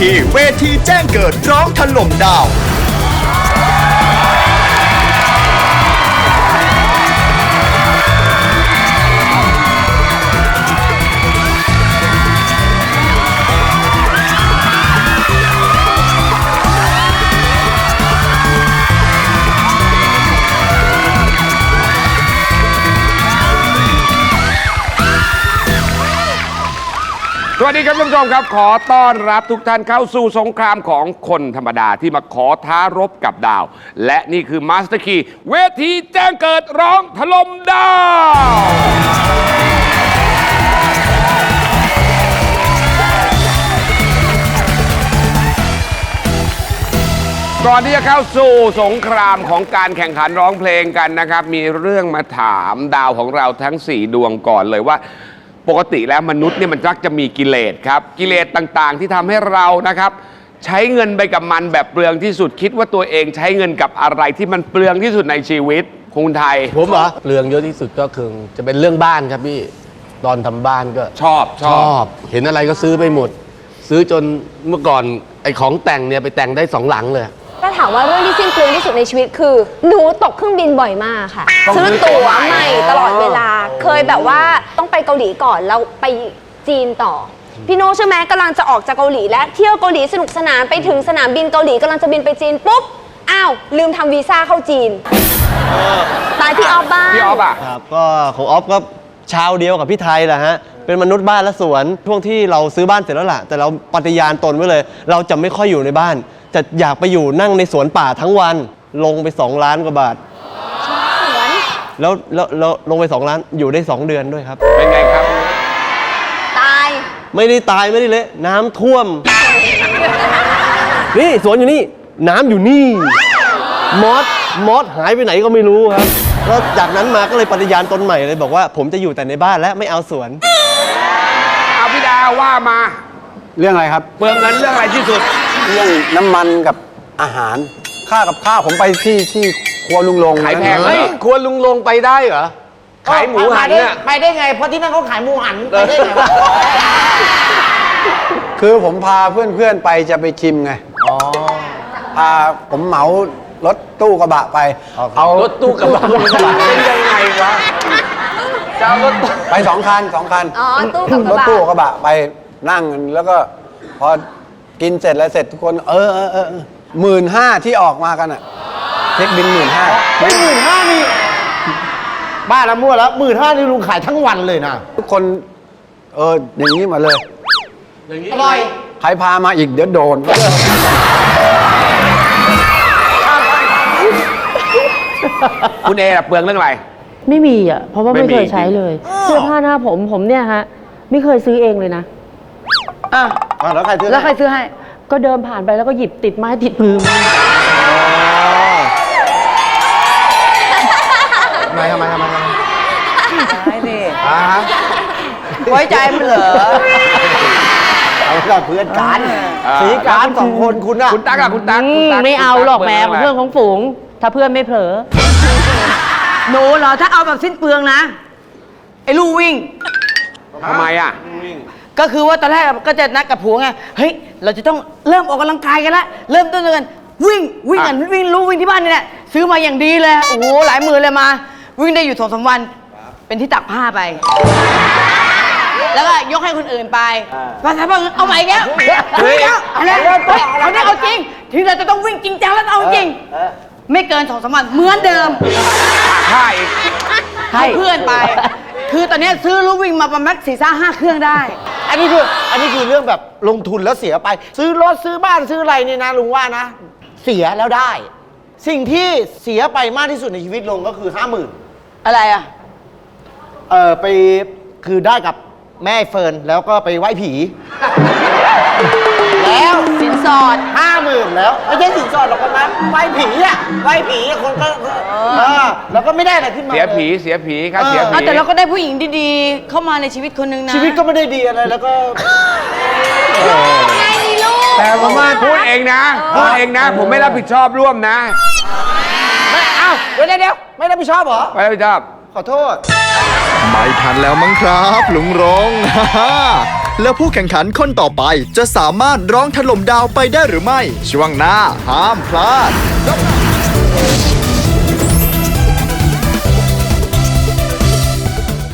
คีเวทีแจ้งเกิดร้องถล่มดาวสวัสดีครับท่านผู้ชมครับขอต้อนรับทุกท่านเข้าสู่สงครามของคนธรรมดาที่มาขอท้ารบกับดาว และนี่คือมาสเตอร์คีเวทีแจ้งเกิดร้องถล่มดาวก่อนที่จะเข้าสู่สงครามของการแข่งขันร้องเพลงกันนะครับมีเรื่องมาถามดาวของเราทั้ง4ดวงก่อนเลยว่าปกติแล้วมนุษย์เนี่ยมันมักจะมีกิเลสครับกิเลสต่างๆที่ทำให้เรานะครับใช้เงินไปกับมันแบบเปลืองที่สุดคิดว่าตัวเองใช้เงินกับอะไรที่มันเปลืองที่สุดในชีวิตคุณไทยผมเหรอเปลืองเยอะที่สุดก็คือจะเป็นเรื่องบ้านครับพี่ตอนทำบ้านก็ชอบเห็นอะไรก็ซื้อไปหมดซื้อจนเมื่อก่อนไอ้ของแต่งเนี่ยไปแต่งได้2 หลังเลยถ้าถามว่าเรื่องที่สิ้นเปลืองที่สุดในชีวิตคือหนูตกเครื่องบินบ่อยมากค่ะซื้อตั๋วใหม่ตลอดเวลาเคยแบบว่าต้องไปเกาหลีก่อนแล้วไปจีนต่อพี่โน้ใช่ไหมกำลังจะออกจากเกาหลีและเที่ยวเกาหลีสนุกสนานไปถึงสนามบินเกาหลีกำลังจะบินไปจีนปุ๊บอ้าวลืมทำวีซ่าเข้าจีนตายพี่ออฟบ้างพี่ออฟอ่ะครับก็ของออฟก็ชาวเดียวกับพี่ไทยแหละฮะเป็นมนุษย์บ้านและสวนช่วงที่เราซื้อบ้านเสร็จแล้วล่ะแต่เราปฏิญาณตนไว้เลยเราจะไม่ค่อยอยู่ในบ้านจะอยากไปอยู่นั่งในสวนป่าทั้งวันลงไป2 ล้านกว่าบาทแล้วลงไป2 ล้านอยู่ได้2 เดือนด้วยครับเป็นไงครับตายไม่ได้ตายไม่ได้เละน้ำท่วมนี่สวนอยู่นี่น้ำอยู่นี่มอสหายไปไหนก็ไม่รู้ครับแล้วจากนั้นมาก็เลยปฏิญาณตนใหม่เลยบอกว่าผมจะอยู่แต่ในบ้านและไม่เอาสวนเอาพี่ดาวว่ามาเรื่องอะไรครับเปลืองเงินเรื่องอะไรที่สุดเรื่องน้ำมันกับอาหารค่ากับข้าวผมไปที่ครัวลุงลงขายแพงเฮ้ยครัวลุงลงไปได้เหรอขายหมูหันเนี่ยไปได้ไงเพราะที่นั่นเขาขายหมูหันไปได้ไงวะคือผมพาเพื่อนๆไปจะไปชิมไงพาผมเหมารถตู้กระบะไปเอารถตู้กระบะเป็นยังไงวะจะเอารถไป2 คันอ๋อตู้กับกระบะรถตู้กระบะไปนั่งแล้วก็พอกินเสร็จแล้วเสร็จทุกคน15,000ที่ออกมากันอ่ะเช็คบิน15,000 ไม่15,000นี่บ้าละมั่วแล้ว15,000นี่ลุงขายทั้งวันเลยนะทุกคนอย่างนี้มาเลยอร่อยใครพามาอีกเดี๋ยวโดนคุณเอเปลืองเรื่องอะไรไม่มีอ่ะเพราะว่าไม่เคยใช้เลยเสื้อผ้าหน้าผมเนี่ยฮะไม่เคยซื้อเองเลยนะแล้วใครซื้อให้ก็เดินผ่านไปแล้วก็หยิบติดไม้ติดมือมาทำไมไม่ดิไว้ใจมันเหรอเอาเราเพื่อนกันสีการ2 คนคุณอะคุณตั๊กอะคุณตั๊กไม่เอาหรอกแม่เพื่อนของฝูงถ้าเพื่อนไม่เผลอหนูเหรอถ้าเอาแบบสิ้นเปลืองนะไอ้ลู่วิ่งทำไมอะก็คือว่าตอนแรกก็จะนัดกับผัวไงเฮ้ยเราจะต้องเริ่มออกกำลังกายกันละเริ่มต้นกันวิ่งกันวิ่งลู่วิ่งที่บ้านนี่แหละซื้อมาอย่างดีเลยโอ้โหหลายหมื่นเลยมาวิ่งได้อยู่2-3 วันเป็นที่ตักผ้าไปแล้วก็ยกให้คนอื่นไปมาทำเอาใหม่แก้วอะไรเขาได้เอาจริงทีเราจะต้องวิ่งจริงจังแล้วเอาจริงไม่เกิน2-3 วันเหมือนเดิมให้เพื่อนไปคือตอนนี้ซื้อลู่วิ่งมาประมาณ4-5 เครื่องได้อันนี้คือเรื่องแบบลงทุนแล้วเสียไปซื้อรถซื้อบ้านซื้ออะไรนี่นะลุงว่านะเสียแล้วได้สิ่งที่เสียไปมากที่สุดในชีวิตลงก็คือ50,000อะไรอ่ะไปคือได้กับแม่เฟิร์นแล้วก็ไปไหว้ผีแล้วสินสอด50,000แล้วไม่ใช่สินสอดหรอกคนนั้นไหว้ผีคนก็แล้วก็ไม่ได้อะไรขึ้นมาเสียผีครับเสียผีแต่เราก็ได้ผู้หญิงดีๆเข้ามาในชีวิตคนนึงนะชีวิตก็ไม่ได้ดีอะไรแล้วก็แต่ผมว่าพูดเองนะผมไม่รับผิดชอบร่วมนะเดี๋ยวไม่รับผิดชอบเหรอไม่รับผิดชอบขอโทษไม่ทันแล้วมั้งครับลุงรงแล้วผู้แข่งขันคนต่อไปจะสามารถร้องถล่มดาวไปได้หรือไม่ ช่วงหน้าห้ามพลาด